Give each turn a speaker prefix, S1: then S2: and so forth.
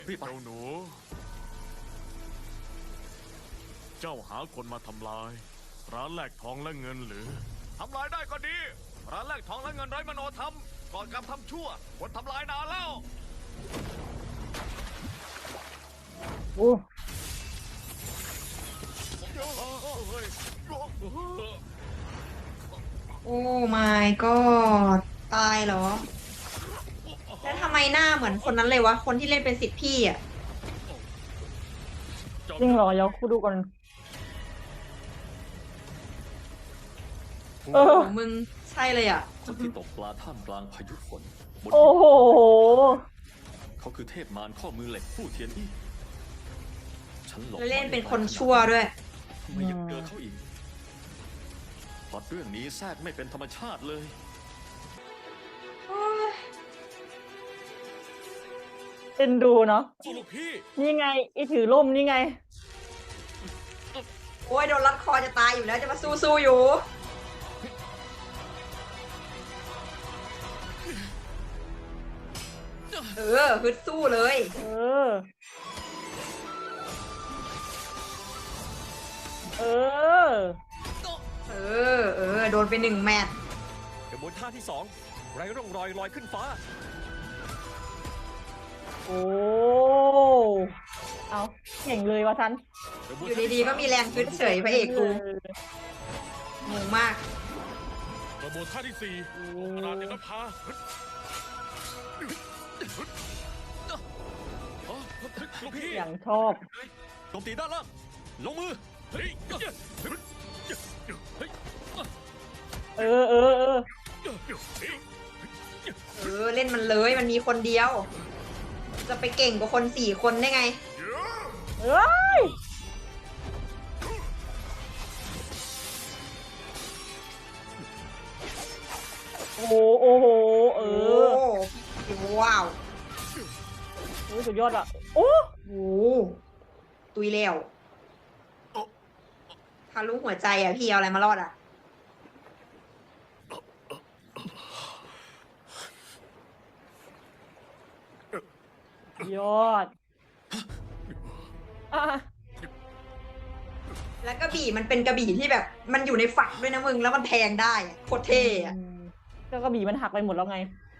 S1: รีบไป
S2: เจ้าหนู เจ้าหาคนมาทำลาย ร้านแลกทองและเงินหรือทำลายได้ก็ดี ร้านแลกทองและเงินไร้มโนธรรมก่อนการทำชั่วคนทำลายนานแล้ว
S3: โอ้
S4: โอ้ my god ตายเหรอ แล้วทำไมหน้าเหมือนคนนั้นเลยวะ คนที่เล่นเป็นสิทธิ์พี่อ่ะ
S3: จริงเหรอเดี๋ยวกูดูก่อน เอ
S4: โอ้
S3: อ
S4: มึงใช่เลยอ่ะ
S1: คนที่ตกปลาท่ามกลางพายุฝนบน
S3: โอ้โห
S1: เขาคือเทพมารข้อมือเหล็กผู้เทียนอี้ฉันหลบ
S4: แล้วเล่นเป็นคนชั่วด้วย
S1: ทำไมยังเจอเขาอีกพล็อตเรื่องนี้แทรกไม่เป็นธรรมชาติเลย
S3: เอ็นดูเนาะ
S2: สู้ลูกพี่
S3: นี่ไงไอถือร่มนี่ไง
S4: โอ้ยโดนรัดคอจะตายอยู่แล้วจะมาสู้อยู่ ฮึดสู้เลย
S3: เออ เออ
S4: โดนไปหนึ่งแมตช์
S1: กระบวนท่าที่สองไร้ร่องรอยลอยขึ้นฟ้า
S3: โอ้ เอาเก่งเลยวะทัน
S4: อยู่ดีๆก็มีแรงฮึดเฉยพระเอกกูงงมาก
S2: กระบวนท่าที่สี่ขนาดเดนภาลูกพี่
S3: อย่างชอบ
S1: โจมตีด้านล่าง ลงมือ
S2: เฮ้ย
S3: เออ เออ เออ
S4: เล่นมันเลยมันมีคนเดียว จะไปเก่งกว่าคน4 คนได้ไง
S3: เอ้ย โอ้โห โอ้โห เออ
S4: ว้าว
S3: โอ้ยสุดยอดอ่ะ โอ้
S4: โอ้ตุยแล้วทะลุหัวใจอ่ะพี่เอาอะไรมารอดอ่ะ
S3: ยอด อ่ะ
S4: แล้วกระบี่มันเป็นกระบี่ที่แบบ มันอยู่ในฝักด้วยนะมึงแล้วมันแทงได้อะโคตรเท่อะ
S3: ก็กระบี่มันหักไปหมดแล้วไง